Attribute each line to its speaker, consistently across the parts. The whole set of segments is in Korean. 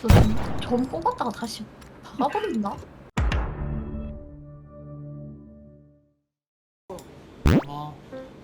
Speaker 1: 점 뽑았다가 다시 박아버린다.
Speaker 2: 뭐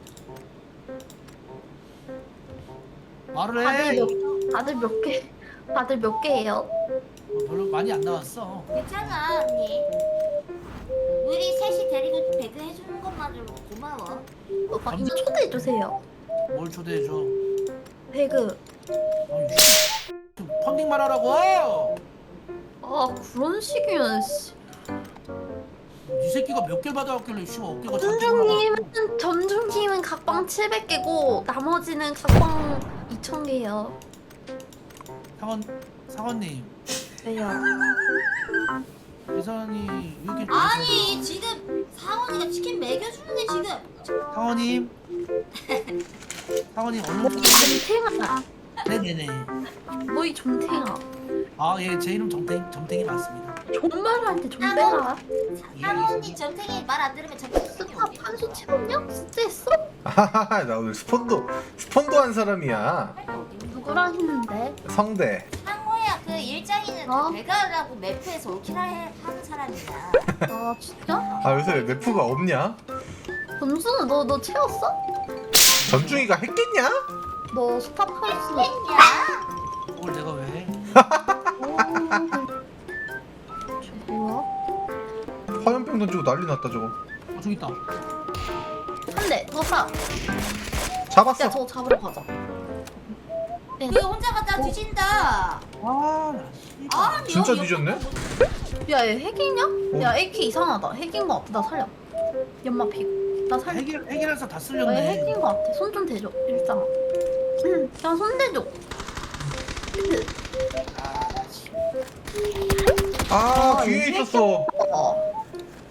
Speaker 2: 말을
Speaker 1: 다들
Speaker 2: 해.
Speaker 1: 다들 몇 개예요?
Speaker 2: 별로 많이 안 나왔어.
Speaker 3: 괜찮아 언니. 우리 셋이 데리고 배그 해주는 것만으로 고마워.
Speaker 1: 오빠 이거 초대해 주세요.
Speaker 2: 뭘 초대해줘?
Speaker 1: 배그.
Speaker 2: 아니, 좀 펀딩만 하라고.
Speaker 1: 아 그런 식이면 씨.
Speaker 2: 이 새끼가 몇 개 받아왔길래 씨 어깨가
Speaker 1: 점중님은 각방 700개고 나머지는 각방 2000개요.
Speaker 2: 상원님
Speaker 1: 왜요?
Speaker 2: 예선이 여기
Speaker 3: 아니 지금 사원이가 치킨 먹여주는데 지금.
Speaker 2: 상원님 상원님 얼른
Speaker 1: 존탱아.
Speaker 2: 네네네.
Speaker 1: 뭐이 존탱아.
Speaker 2: 아예 제 이름 점탱이 맞습니다.
Speaker 1: 존말한테 존대라.
Speaker 3: 사원이 전생에 말 안 들으면 전생
Speaker 1: 스탑 한수 채웠냐? 진짜 했어?
Speaker 4: 아하하 나 오늘 스폰도 한 사람이야.
Speaker 1: 누구랑 했는데?
Speaker 4: 성대.
Speaker 3: 상호야 그 일장이는
Speaker 1: 어?
Speaker 3: 배가라고 매프에서 올킬을 하는 사람이야.
Speaker 1: 아 진짜?
Speaker 4: 아 요새 왜 매프가 없냐?
Speaker 1: 점수는 너 채웠어?
Speaker 4: 전중이가 했겠냐?
Speaker 1: 너 스탑 한수.
Speaker 3: 야
Speaker 2: 그걸 내가 왜?
Speaker 1: 저 뭐야?
Speaker 4: 화염병 던지고 난리 났다 저거.
Speaker 2: 저기 있다.
Speaker 1: 한 대, 너 사.
Speaker 4: 잡았어.
Speaker 1: 야, 저거 잡으러 가자.
Speaker 3: 너 혼자 갔다 뒤진다.
Speaker 2: 아나
Speaker 3: 아,
Speaker 4: 진짜
Speaker 3: 너
Speaker 4: 뒤졌네?
Speaker 1: 야, 얘 핵이냐?
Speaker 4: 어.
Speaker 1: 야, AK 이상하다. 핵인 거 같아. 나 살려. 연마 피고. 나 살려.
Speaker 2: 해결해서 다
Speaker 1: 야, 얘
Speaker 2: 쓸렸네.
Speaker 1: 핵인 거 같아. 손 좀 대줘. 일상아. 응, 야, 손 대줘.
Speaker 4: 아
Speaker 1: 아,
Speaker 4: 뒤에
Speaker 1: 이게
Speaker 4: 있었어.
Speaker 1: 어.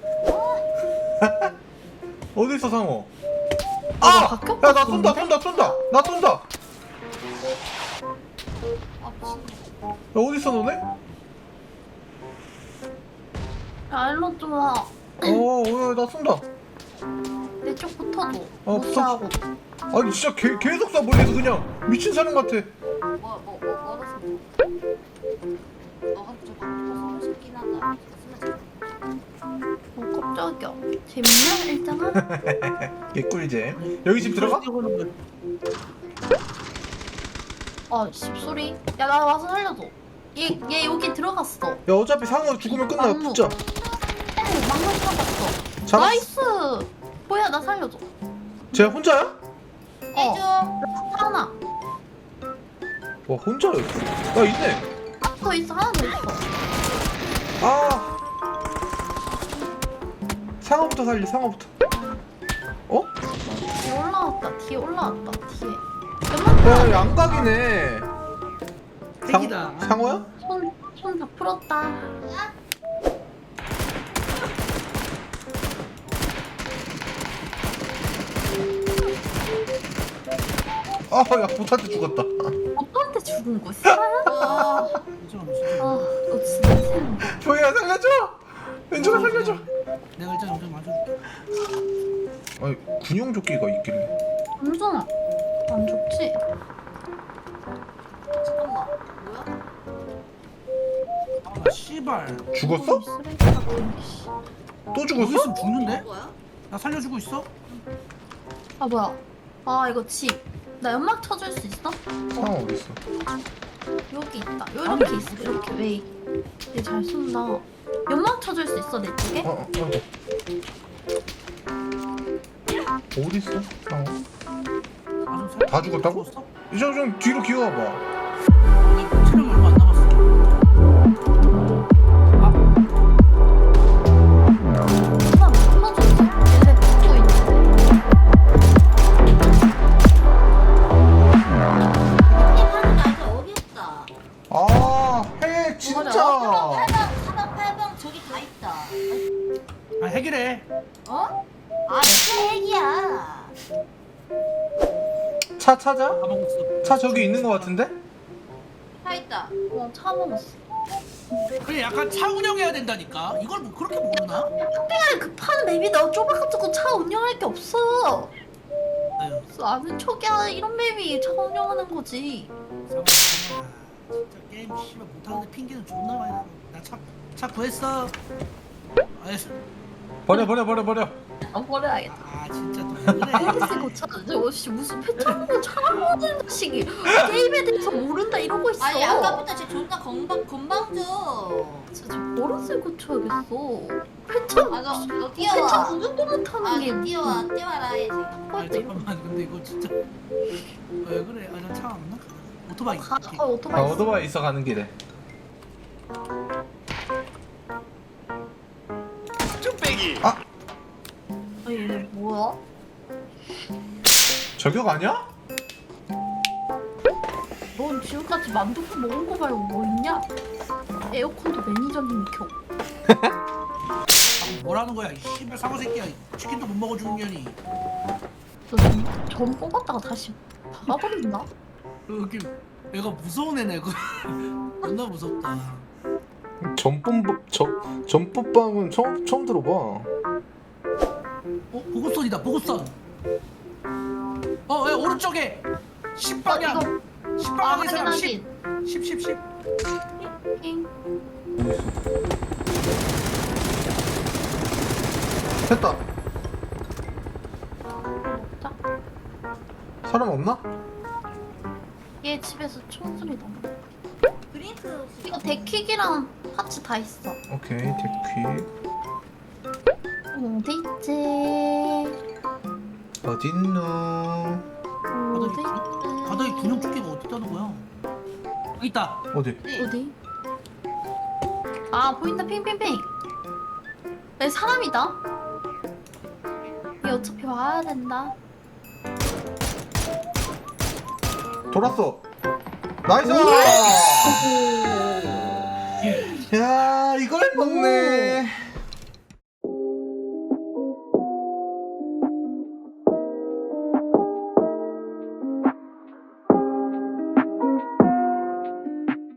Speaker 4: 어디 있어 상호?
Speaker 1: 나
Speaker 4: 아!
Speaker 1: 바뀌었다,
Speaker 4: 야 나 쏜다 나 쏜다. 야
Speaker 3: 아 미친년.
Speaker 4: 어디 있어 너네?
Speaker 1: 야, 일로 좀 와.
Speaker 4: 나 쏜다.
Speaker 1: 내 쪽 붙어줘.
Speaker 4: 어,
Speaker 1: 무시하고.
Speaker 4: 아니 진짜 계속 쏴 멀리서 그냥 미친 사람 같아.
Speaker 3: 뭐라서 너가 저거 붙어서 싶긴 하다.
Speaker 1: 깜짝이야. 재밌냐, 일장아?
Speaker 4: 개꿀잼. 여기 집 들어가?
Speaker 1: 아, 씹소리. 야, 나 와서 살려줘. 얘 여기 들어갔어.
Speaker 4: 야 어차피 상호 죽으면 끝나.
Speaker 1: 막무.
Speaker 4: 붙자.
Speaker 1: 막상 잡았어.
Speaker 4: 잡았어.
Speaker 1: 나이스. 뭐야, 나 살려줘.
Speaker 4: 쟤 혼자야?
Speaker 3: 해줘.
Speaker 1: 하나.
Speaker 4: 와 혼자였어. 야 있네.
Speaker 1: 더 있어, 하나 더 있어.
Speaker 4: 아 상어부터 살리 상어부터. 어?
Speaker 1: 뒤에 올라왔다. 뒤에.
Speaker 4: 야 양각이네.
Speaker 2: 핵이다.
Speaker 4: 상어야?
Speaker 1: 손 다 풀었다.
Speaker 4: 아야 보트한테 죽었다.
Speaker 1: 오빠한테 죽은 거 싫어요?
Speaker 3: 와.
Speaker 1: 아, 너 진짜 세네.
Speaker 4: 조이야 살려줘. 왼쪽아 살려줘.
Speaker 2: 내가 일단 여기 맞아줄게.
Speaker 4: 아니 군용 조끼가 있길래.
Speaker 1: 완전 안 좋지?
Speaker 3: 잠깐만. 뭐야?
Speaker 2: 아 씨발.
Speaker 4: 죽었어?
Speaker 1: 쓰레기 같은 게, 씨.
Speaker 4: 또
Speaker 2: 여기
Speaker 4: 죽었어?
Speaker 2: 있으면 죽는데?
Speaker 3: 뭐야?
Speaker 2: 나 살려주고 있어?
Speaker 1: 아 뭐야? 아 이거 집. 나 연막 쳐줄 수 있어?
Speaker 4: 상어 어디 있어?
Speaker 1: 여기 있다. 이렇게 있어. 이렇게 왜? 얘잘 쏜다. 연막 쳐줄 수 있어 내 쪽에?
Speaker 4: 어디 있어? 상어.
Speaker 2: 다
Speaker 4: 죽었다고? 이제 좀 뒤로 기어와봐.
Speaker 2: 내 체력이 얼마 안 남았어.
Speaker 1: 하나 못 쳐줬어. 얘네 붙고 있는데.
Speaker 3: 형님 하는 거 알죠? 어렵다.
Speaker 4: 핵 진짜.
Speaker 3: 4번 8번 저기 다 있다.
Speaker 2: 아 해결해.
Speaker 3: 어? 아 진짜 핵이야.
Speaker 4: 차 찾아?
Speaker 2: 다 먹었어.
Speaker 4: 차 저기 있는 거 같은데?
Speaker 3: 다 있다.
Speaker 1: 차 먹었어.
Speaker 2: 그래 약간 차 운영해야 된다니까. 이걸 뭐 그렇게 모르나?
Speaker 1: 그냥 급한 맵이 나 좁아가지고 차 운영할 게 없어.
Speaker 2: 아유
Speaker 1: 아는 척이야. 이런 맵이 차 운영하는 거지.
Speaker 2: 상원아 진짜 게임 게임 씨발 못하는데 핑계는 존나 많이 나고. 나차 구했어. 알았어.
Speaker 4: 버려.
Speaker 1: 아 버려야겠다.
Speaker 2: 아 진짜 또 왜 그래?
Speaker 1: 폴리스 고쳐줘. 씨 무슨 패턴을 차가워진 자식이 게임에 대해서 모른다 이러고 있어.
Speaker 3: 아니 아까부터 쟤 존나 건방져.
Speaker 1: 진짜 버릇을 고쳐야겠어. 패턴
Speaker 3: 너
Speaker 1: 패턴
Speaker 3: 뛰어와.
Speaker 1: 구분도 못하는 게
Speaker 3: 너 뛰어와라 해야지.
Speaker 2: 아니 잠깐만 근데 이거 진짜 왜 그래? 아 나 차 없나? 오토바이.
Speaker 1: 오토바이 있어.
Speaker 4: 오토바이 있어 가는 길에.
Speaker 1: 아 얘네 뭐야?
Speaker 4: 저격 아니야?
Speaker 1: 넌 지금까지 만두국 먹은 거 말고 뭐 있냐? 에어컨도 매니저님이 켜.
Speaker 2: 뭐라는 거야? 이 씨발 사고 새끼야. 치킨도 못 먹어 주는 년이.
Speaker 1: 너전 뽑았다가 다시 박아버린다?
Speaker 2: 여기 얘가 무서운 애네. 그 존나 무섭다.
Speaker 4: 전법방은 처음 들어봐.
Speaker 2: 보급선이다. 보급선. 야, 오른쪽에 10방향. 10방향의 사람 10. 10.
Speaker 1: 잉.
Speaker 4: 됐다.
Speaker 1: 먹자.
Speaker 4: 사람 없나?
Speaker 1: 얘 집에서 총소리 나네.
Speaker 3: 드링크
Speaker 1: 이거 데킥이랑 파츠 다 있어.
Speaker 4: 오케이 데퀴.
Speaker 1: 어디 있지?
Speaker 4: 어딨노?
Speaker 1: 어디 있지?
Speaker 2: 바닥에 균형 조끼가 어디 있다는 거야? 여기 있다.
Speaker 4: 어디?
Speaker 1: 어디? 아 보인다 핑핑핑. 내 사람이다. 얘 어차피 와야 된다.
Speaker 4: 돌았어. 나이스! 야 이걸 먹네.